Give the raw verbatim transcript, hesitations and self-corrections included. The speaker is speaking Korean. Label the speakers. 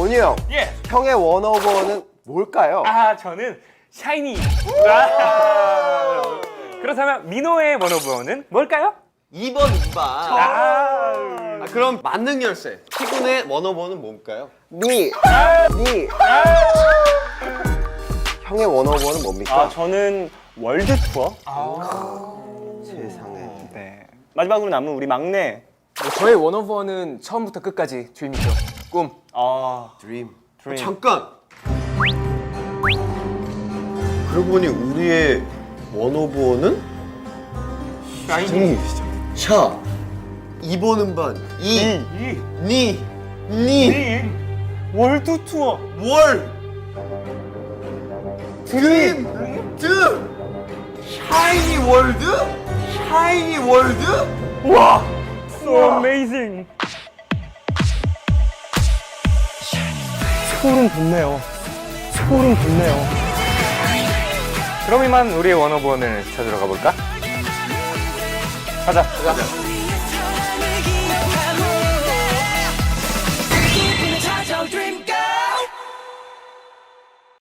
Speaker 1: 원유 형,
Speaker 2: 예.
Speaker 1: 형의 원오버원은 뭘까요?
Speaker 2: 아, 저는 샤이니. 아. 그렇다면 민호의 원오버원은 뭘까요?
Speaker 3: 이 번 이반.
Speaker 2: 아.
Speaker 3: 아, 그럼 만능 열쇠. 피군의 원어버는 뭘까요?
Speaker 1: 니, 니. 형의 원오버원은 뭡니까?
Speaker 4: 아, 저는 월드 투어.
Speaker 1: 세상에.
Speaker 4: 네. 마지막으로 남은 우리 막내.
Speaker 5: 뭐 저의 원오버는 처음부터 끝까지 드림이죠. 꿈.
Speaker 4: 아,
Speaker 1: 드림.
Speaker 4: 드림.
Speaker 3: 잠깐. 그러고 보니 우리의 원오버는
Speaker 2: 샤이니.
Speaker 3: 샤. 이 번 음반. 이.
Speaker 2: 이.
Speaker 3: 니. 니.
Speaker 2: 이.
Speaker 4: 월드 투어.
Speaker 3: 월. 드림. 드. 샤이니 월드? 샤이니 월드?
Speaker 4: 와, so amazing. 소름 돋네요. 소름 돋네요.
Speaker 2: 그럼 이만 우리의 원오버원을 찾으러 가볼까? 가자. 가자.